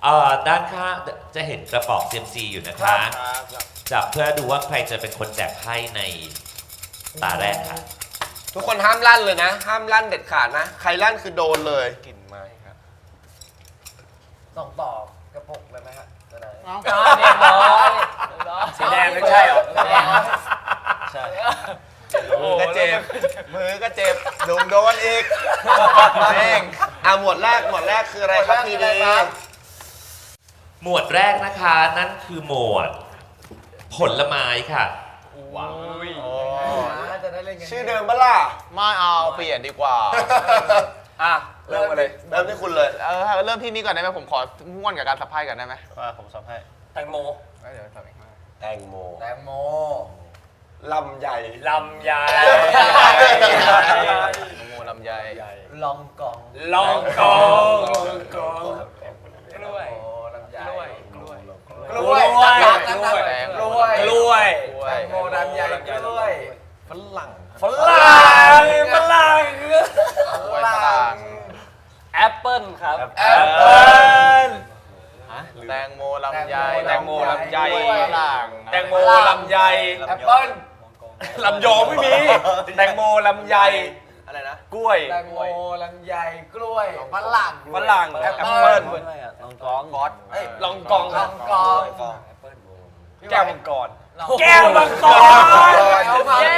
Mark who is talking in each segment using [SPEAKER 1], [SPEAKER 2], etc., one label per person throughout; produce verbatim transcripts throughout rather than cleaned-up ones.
[SPEAKER 1] อ่อด้านข้างจะเห็นกระป๋อง ซี เอ็ม ซี อยู่นะคะจับเพื่อดูว่าใครจะเป็นคนแจกไพ่ในตาแรกค่ะ
[SPEAKER 2] ทุกคนห้ามลั่นเลยนะ ห้ามลั่นเด็ดขาดนะ ใครลั่นคือโดนเลยกลิ่นไม้ครับ
[SPEAKER 3] ส่งต่อกระปุกเลยไหมฮะจะได้
[SPEAKER 4] น้อง
[SPEAKER 3] เรียบร้อยสีแดงไม่ใช่หรอใช่
[SPEAKER 2] มือก็เจ็บมือก็เจ็บโดนโดนอีกแม่งอ่ะหมวดแรกหมวดแรกคืออะไรครับพี่ดี
[SPEAKER 1] หมวดแรกนะคะนั่นคือหมวดผลไม้ค่ะ
[SPEAKER 3] ว้าวจะได้เล่นกัน
[SPEAKER 2] ชื่อเดิมปะล่ะ
[SPEAKER 4] ไม่เอาเปลี่ยนดีกว่า
[SPEAKER 2] อ่ะเริ่มมาเลยเริ่มที่คุณเลย
[SPEAKER 4] เออเริ่มที่นี้ก่อนได้ไหมผมขอม่วนกับการสับไพ่ก่อนได้ไหม
[SPEAKER 5] ว่าผมสับให้
[SPEAKER 3] แตงโม
[SPEAKER 4] เดี๋ยวสับเอง
[SPEAKER 2] แตงโม
[SPEAKER 3] แตงโม
[SPEAKER 2] ลำใหญ่
[SPEAKER 3] ลำใหญ่
[SPEAKER 4] โมลำไย
[SPEAKER 3] ลองกอง
[SPEAKER 5] ลองกองลองกอง
[SPEAKER 3] กล้วยลำไย
[SPEAKER 5] กล้วย
[SPEAKER 3] กล้วย
[SPEAKER 5] กล้วยกล้วยกล้วยกล้วยกล้วย
[SPEAKER 3] แตงโมลำไยกล้วย
[SPEAKER 2] ฝรั่ง
[SPEAKER 5] ฝรั่งฝรั่ง
[SPEAKER 4] ฝรั่ง
[SPEAKER 5] แอปเปิ้ลครับ
[SPEAKER 3] แอปเปิ้ล
[SPEAKER 4] แตงโมลำไย
[SPEAKER 5] แตงโมลำไย
[SPEAKER 4] ฝรั่ง
[SPEAKER 5] แตงโมลำไย
[SPEAKER 3] แอปเปิ้ล
[SPEAKER 5] ลำยองไม่มีแตงโมลำไย
[SPEAKER 2] อะไรนะ
[SPEAKER 5] กล้วย
[SPEAKER 3] แตงโมลำไยกล้วยฝรั่ง
[SPEAKER 5] ฝรั่งแอปเปิ้ล
[SPEAKER 3] ลองกองบอส
[SPEAKER 5] ลองกอง
[SPEAKER 3] ลองกอง
[SPEAKER 5] แก้วมังกรแก้วมังกร
[SPEAKER 3] แก้วมังกร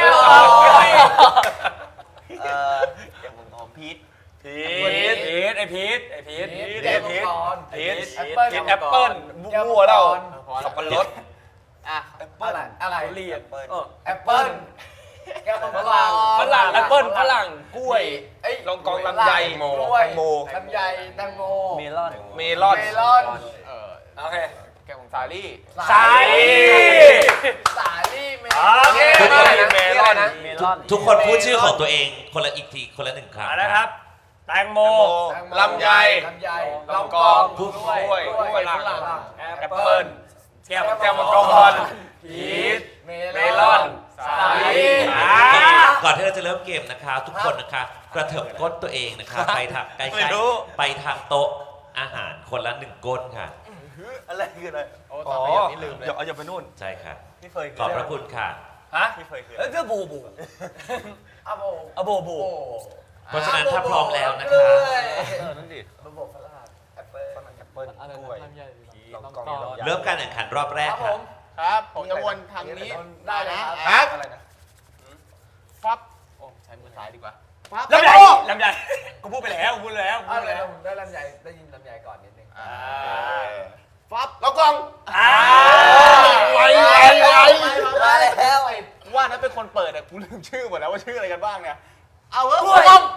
[SPEAKER 2] เอ่อแก้วมังกรพีท
[SPEAKER 5] พีทพีทไอพีทไอพีท
[SPEAKER 3] แก้วมังกร
[SPEAKER 5] พีทพีทแอปเปิ้ลบัวเราสับปะรด
[SPEAKER 3] อ่ะแอปเปิ้ลอะไร
[SPEAKER 5] เรียก
[SPEAKER 3] แอปเปิ้ลแก้วมังกร
[SPEAKER 5] ฝรั่งแอปเปิ้ลฝรั่งกล้วยลองกองลำไย
[SPEAKER 3] โมแตงโมลำไยแตงโม
[SPEAKER 5] เมลอน
[SPEAKER 3] เมลอนเมลอน
[SPEAKER 4] เออ
[SPEAKER 5] โอเค
[SPEAKER 4] แก้วของสาลี่
[SPEAKER 5] สาลี่
[SPEAKER 3] สาลี่เมล
[SPEAKER 5] อนโอเคเมลอน
[SPEAKER 1] เมลอนทุกคนพูดชื่อของตัวเองคนละอีกทีคนละหนึ่งครั้ง
[SPEAKER 5] นะครับแตงโม
[SPEAKER 2] ลำไย
[SPEAKER 3] ลำไย
[SPEAKER 5] ลองกองกล้วยกล้วยฝรั่งแอปเปิ้ลแก้วแก้วมังกรพีชเมลอนสาลี่
[SPEAKER 1] ก่อนที่เราจะเริ่มเกมนะคะทุกคนนะคะกระเถิบก้นตัวเองนะคะไปทางใกล้ๆไปทางโต๊ะอาหารคนละหนึ่งก้นค่ะ
[SPEAKER 2] อะไรคืออะไร
[SPEAKER 4] อ๋อนี่ลืมเลย
[SPEAKER 5] อย่าอย่าไปนู่น
[SPEAKER 1] ใช่ค่ะ
[SPEAKER 2] พี่เฟย
[SPEAKER 1] ขอบพระคุณค่ะ
[SPEAKER 5] ฮะ
[SPEAKER 2] พี่เฟยคือ
[SPEAKER 3] เออจะบูบูอะโบ
[SPEAKER 5] อะโบบู
[SPEAKER 1] เพราะฉะนั้นถ้าพร้อมแล้วนะคะ
[SPEAKER 5] นั่นดิ
[SPEAKER 3] ระบบฝรั่งแอปเปิ้ล
[SPEAKER 2] แอปเปิ้ลกล้วย
[SPEAKER 1] เริ่มการแข่งขันรอบแรกค่ะ
[SPEAKER 4] ครับผมจะวนทางนี้
[SPEAKER 3] ได้เลยค
[SPEAKER 2] รับอะไรนะ
[SPEAKER 4] ฟับโอ้ใช้มือซ้ายดีกว่า
[SPEAKER 5] ลำไยลำไยกูพูดไปแล้วกูพูดแล้ว
[SPEAKER 3] พูดแล้วได้ลำไยได้ยินลำไยก่อนนิดนึง
[SPEAKER 4] ฟับ
[SPEAKER 2] แล้วกอง
[SPEAKER 4] ไวไวไว
[SPEAKER 3] มาแล้วไอ้
[SPEAKER 4] ว่านั้นเป็นคนเปิดแต่กูลืมชื่อหมดแล้วว่าชื่ออะไรกันบ้างเนี่ย
[SPEAKER 3] เอาเว้ยกอง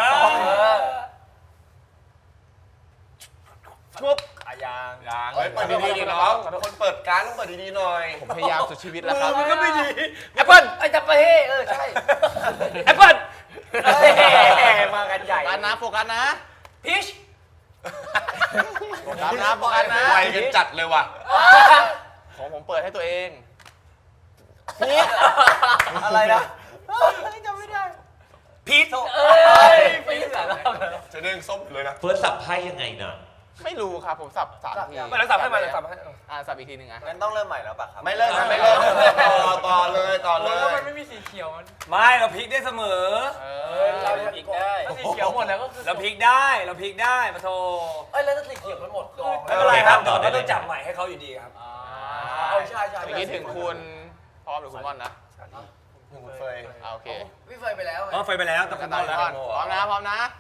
[SPEAKER 4] ชุบ
[SPEAKER 3] อายาง
[SPEAKER 4] ยาง
[SPEAKER 2] เปิดดีๆน้องเป็นคนเปิดการต้องเปิดดีๆหน่อย
[SPEAKER 4] ผมพยายามสุดชีวิตแล้วครับ
[SPEAKER 5] มันก็ไม่ดี
[SPEAKER 3] แอปเปิ้ลไอ้จับไปเฮ้เออใช่
[SPEAKER 5] แอปเปิ้ล
[SPEAKER 3] มากันใหญ่
[SPEAKER 4] กันนะโฟกัสนะ
[SPEAKER 3] พีช
[SPEAKER 4] โฟกัสนะโฟกัสนะ
[SPEAKER 2] ไวกันจัดเลยว่ะ
[SPEAKER 4] ของผมเปิดให้ตัวเอง
[SPEAKER 3] พีชอะไรนะจำไม่ได้
[SPEAKER 5] พีช
[SPEAKER 3] เอ้ยพีชอะไร
[SPEAKER 2] จะเด้งส้มเลยนะ
[SPEAKER 1] เฟิร์สสับไพ่ยังไงเนาะ
[SPEAKER 4] ไม่รู้ครับผมสับสามที
[SPEAKER 5] ไม่แล้วสับให้มาเลยสับให้
[SPEAKER 4] อ่าสับอีกทีหนึ่งอ่ะ
[SPEAKER 2] งั้นต้องเริ่มใหม่แล้วป่ะครับไม่เริ่มไม่เริ่มต่อเลยต่อเลย
[SPEAKER 3] แล้วมันไม่มีสีเขียวมัน
[SPEAKER 5] ไม่เราพลิกได้เสมอ
[SPEAKER 3] เออเราพลิกได้สีเขียวหมดแล้วก็คือ
[SPEAKER 5] เราพลิกได้เราพลิกได้มาโท
[SPEAKER 3] เอ้ยแล้วถ้าสีเขียวมันหมดกอง
[SPEAKER 5] ไม่เป็นไรครับเราต้องจับใหม่ให้เขาอยู่ดีครับ
[SPEAKER 3] อ๋อใช่ใช่
[SPEAKER 4] เมื่อกี้ถึงคุณพร้อมหรือคุณม่อนนะ
[SPEAKER 2] คุณเฟย
[SPEAKER 4] โอเค
[SPEAKER 3] พี่เฟยไปแล้ว
[SPEAKER 5] อ๋อเฟยไปแล้วต้อง
[SPEAKER 4] ต้อนแล้วพร้อมนะพร้อมนะ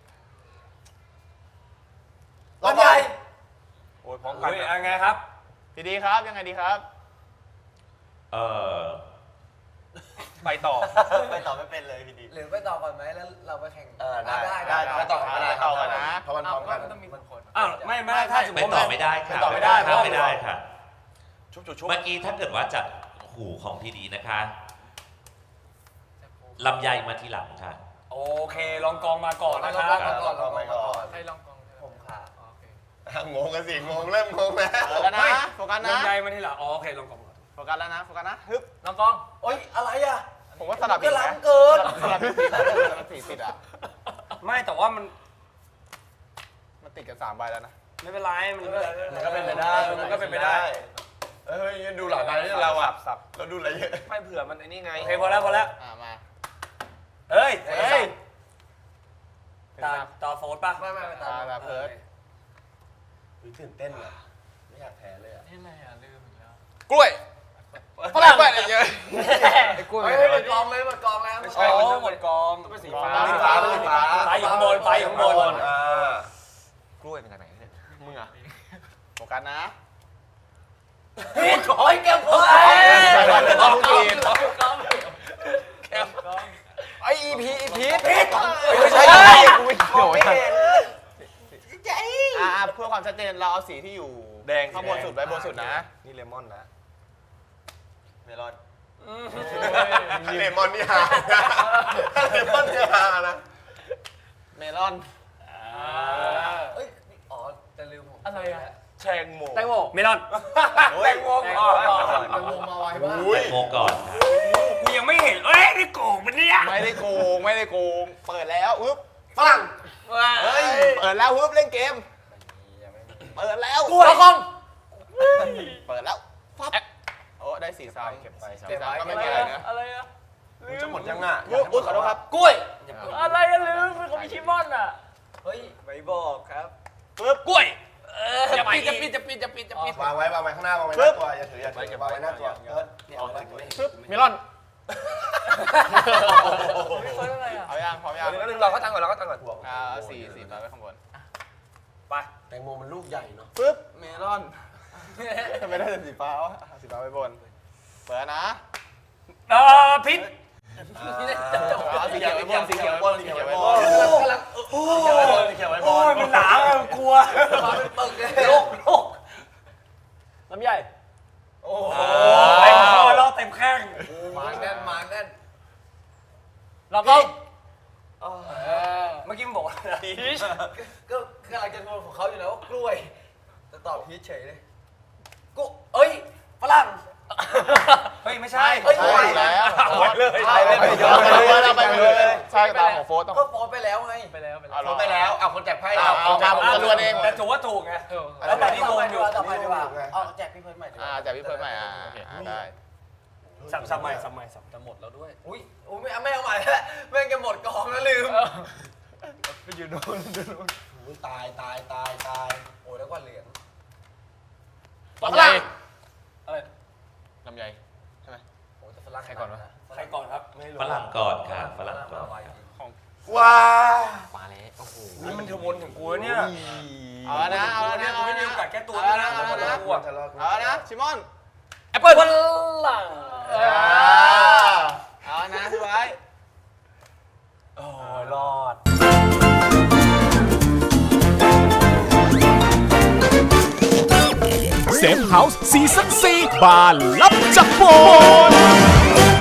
[SPEAKER 3] ลำไย
[SPEAKER 5] โอ้ยพร้อมกันยังไงครับ
[SPEAKER 4] พี่ดีครับยังไงดีครับ
[SPEAKER 1] เออ
[SPEAKER 5] ไปต่อ
[SPEAKER 2] ไปต่อไม่เป็นเลยพี่ดี
[SPEAKER 3] หรือไปต่อก่อนไหมแล้วเราไปแข่ง
[SPEAKER 2] เออได้ได้ไปต่อกันได้
[SPEAKER 4] ต่อกันนะ
[SPEAKER 2] เพราะมันพร้อมกัน
[SPEAKER 3] ต้องมีบางคน
[SPEAKER 5] อ้าวไม่ไม่ถ้าสมมติ
[SPEAKER 1] ไปต่อไม่ได้ค่ะ
[SPEAKER 4] ต่อไม่ได้
[SPEAKER 1] ถ้าไม่ได้ค่ะ
[SPEAKER 5] ชุบชุบชุบ
[SPEAKER 1] เมื่อกี้ถ้าเกิดว่าจากหูของพี่ดีนะคะลำไยมาทีหลังค่ะ
[SPEAKER 5] โอเคลองกองมาก่อนนะครับ
[SPEAKER 3] ลองกองลองกองให้ลองกองผมค่ะ
[SPEAKER 2] งงกันสิงงเริ่มงงแล้ว
[SPEAKER 4] โฟกัสนะโฟกัสนะ
[SPEAKER 5] ลำไยมาทีหลังอ๋อโอเคลองกอง
[SPEAKER 4] โฟกัสแล้วนะโฟกัสนะฮึบ
[SPEAKER 3] ลองกองโอ๊ยอะไรอ่ะ
[SPEAKER 4] ผมว่าสลับอีกนะ
[SPEAKER 3] เกิน
[SPEAKER 4] สลับสี่สลับสี่ติดอ่ะ
[SPEAKER 5] ไม่แต่ว่ามัน
[SPEAKER 4] มันติดกันสามใบแล้วนะ
[SPEAKER 3] ไม่เป็นไรมัน
[SPEAKER 2] มันก็เป็นไปได้มันก็เป็นไปได้เฮ้ยดูหลายใบที่เราอ่ะเราดูอะไรเยอะ
[SPEAKER 5] ไม่เผื่อมันไอ้นี่ไง
[SPEAKER 3] โอเคพอแล้วพอแล้ว
[SPEAKER 2] อ่ามา
[SPEAKER 3] เฮ้ย
[SPEAKER 2] เฮ้ย
[SPEAKER 3] ตาต่อโฟนป่ะ
[SPEAKER 2] ไม่ไม่ไม่ตามแบบเพิร์ดตื่นเต้นอ่ะไม่อยากแพ้เลยอ่ะ
[SPEAKER 5] กล้วย
[SPEAKER 2] ฝรั่งไปเยอะ
[SPEAKER 5] ไอ้กล้วย
[SPEAKER 2] เฮ้ยหมดกองเลยหมดกองแล้ว
[SPEAKER 5] ไม่ใช่มันต้องหมดกองต้องเป็นสีฟ้า
[SPEAKER 2] สีฟ้าสีฟ้า
[SPEAKER 3] ไปอยู่ข้างบนไปอยู่ข้างบน
[SPEAKER 2] อ่าก
[SPEAKER 5] ล้วยเป็นจากไหนเนี่ย
[SPEAKER 2] มึงอ่ะโฟกัสนะ
[SPEAKER 3] พี่โอ้ยแก้วโอ้ย
[SPEAKER 2] กองกีน
[SPEAKER 5] ไออีพีอีพี
[SPEAKER 2] ไม่ใช่กูไม่เกี่ยวกันอ่าเพื่อความชัดเจนเราเอาสีที่อยู่
[SPEAKER 5] แดง
[SPEAKER 2] ข้างบนสุดไว้บนสุดนะ
[SPEAKER 5] นี่เลมอนนะ
[SPEAKER 2] เมลอนเลมอนนี่ฮาเลมอนนี่ฮานะเมลอน
[SPEAKER 3] เอ้ยอ๋อจะลืมผมอะไรอะ
[SPEAKER 5] แชงโม
[SPEAKER 3] แตงโมเมลอน
[SPEAKER 2] แตงโม
[SPEAKER 3] แตงโมแตงโมมาไวมาก
[SPEAKER 2] อุ้ย
[SPEAKER 1] โมก่อนค่ะ
[SPEAKER 3] กูยังไม่เห็นเอ้ยนี่โกงมันเนี่ย
[SPEAKER 2] ไม่ได้โกงไม่ได้โกงเปิดแล้วอุ๊บฝรั่งเฮ้ยเปิดแล้วอุ๊บเล่นเกมเปิดแล้ว
[SPEAKER 3] กล้วยคอง
[SPEAKER 2] เปิดแล้วฟับโอ้ได้สีซ้ำเก็บไปสีซ้ำก็ไม่มีอะไรนะ
[SPEAKER 3] อะไรอะ
[SPEAKER 2] จะหมดยังอ่ะอุ๊บขอโทษครับ
[SPEAKER 3] กล้วยอะไรอะลืมเป็นของมิชิมอนอะเฮ้ย
[SPEAKER 5] ไม่บอกครับ
[SPEAKER 2] ปึ๊บ
[SPEAKER 3] กล้วย
[SPEAKER 5] จะปิดจะปิดจะปิดจะปิดจะปิด
[SPEAKER 2] วางไว้วางไว้ข้างหน้าวางไว้หน้าตัวอย่าถืออย่าถือวางไว้หน้าตัวเอิร์ธเอาไว้ปึ๊บเมลอน
[SPEAKER 3] เฟิร์สอะไรอะ
[SPEAKER 2] เอายังพร้อมยัง
[SPEAKER 5] นึงเราก็ตั้งก่อนเราก็ตั้งก่อน
[SPEAKER 2] อ่าสีสีฟ้าไว้ข้างบน
[SPEAKER 5] ไป
[SPEAKER 4] แตงโมมันลูกใหญ่เนาะ
[SPEAKER 2] ปึ๊บเมลอนทำไมได้แต่สีฟ้าวะสีฟ้าไว้บนเปิดนะ
[SPEAKER 3] เออพิษ
[SPEAKER 2] เอาสีเขียวไว้บนสีเขียวไว้บนสีเขียวไว้บน
[SPEAKER 3] กำลัง
[SPEAKER 2] โอ้ยสีเขียวไว้บน
[SPEAKER 3] โอ้ยมันหนาอะกลัวมาเป็นปึกเลยโลกโลกลำใหญ่
[SPEAKER 2] โอ้โห
[SPEAKER 3] เต็มคอแล้วเต็มแข้ง
[SPEAKER 4] มาแน่นมาแน่น
[SPEAKER 3] เราก็เมื่อกี้มันบอกว่าพีช
[SPEAKER 4] ก็กำลังจะโดนของเขาอยู่แล้วว่ากล้วยจะตอบพีชเฉยเลยกูเอ้ยฝรั่ง
[SPEAKER 3] เฮ้ยไม่ใช่
[SPEAKER 2] ใช่แล้ว
[SPEAKER 3] ไปเลย
[SPEAKER 2] ใช่ไปเลยเราไปเลยใช่ตามของโฟร์ต้อง
[SPEAKER 4] ก็โพสไปแล้วไง
[SPEAKER 3] ไปแล้วไป
[SPEAKER 2] เอา
[SPEAKER 3] แล้ว
[SPEAKER 2] ไปแล้วเอาคนแจกไพ่เอาเอามาผมจะรวนเอง
[SPEAKER 3] แต่ถือว่าถูกไง
[SPEAKER 2] แล้
[SPEAKER 3] แล้ว ว
[SPEAKER 2] แต่
[SPEAKER 3] แต่
[SPEAKER 2] ที่
[SPEAKER 3] ที่
[SPEAKER 2] ง
[SPEAKER 3] ง
[SPEAKER 2] ง
[SPEAKER 3] ง
[SPEAKER 2] อ
[SPEAKER 3] อยู่ ยู่
[SPEAKER 4] ต่อไปดีกว่าเอาแจกพี่เพิร์ดใหม่ดีก
[SPEAKER 2] อ่า
[SPEAKER 4] ว่า
[SPEAKER 2] จากพี่เพิร์ดใหม่อ่าได้
[SPEAKER 3] สับสับใหม่สับใหม่สับ
[SPEAKER 4] จะหมดแล้วด้วยอุ้ยโอ้ยไม่เอาไม่เอาใหม่แล้วแม่งจะหมดกองแล้วลืม
[SPEAKER 2] ไปอยู่โน่นอยู่โน่น
[SPEAKER 4] อุ้ยตายตายตายตายโอ้ยแล้วก็เหลือง
[SPEAKER 2] ลำไย
[SPEAKER 3] อะไร
[SPEAKER 2] ลำไยใช่ไหม
[SPEAKER 4] โอ้ยแต่ฝรั่ง
[SPEAKER 2] ใครก่อนวะ
[SPEAKER 3] ใครก่อนครับ
[SPEAKER 1] ฝรั่งก่อนค่ะฝรั่งก่อน
[SPEAKER 4] ไว
[SPEAKER 1] ค่ะ
[SPEAKER 2] ว้า
[SPEAKER 5] มาแล้วโอ้โห
[SPEAKER 3] นี่มันเทวนถึงกูแล้วเนี่ย
[SPEAKER 2] เอาแล้วนะเอาแล้วนะ
[SPEAKER 3] กูไม่มีโอกาสแก้ตัว
[SPEAKER 2] เอา
[SPEAKER 3] แล้
[SPEAKER 2] แล้ว ว
[SPEAKER 3] นะ
[SPEAKER 2] นะเอาแล้วนะเอาแล้วนะชิมอน
[SPEAKER 3] แอปเปิ้ลฝรั่ง
[SPEAKER 2] เอานะพี่ไว้
[SPEAKER 3] โอ้ยรอด
[SPEAKER 6] เซฟเฮาส์ซีซั่นสี่บานลับจากโบน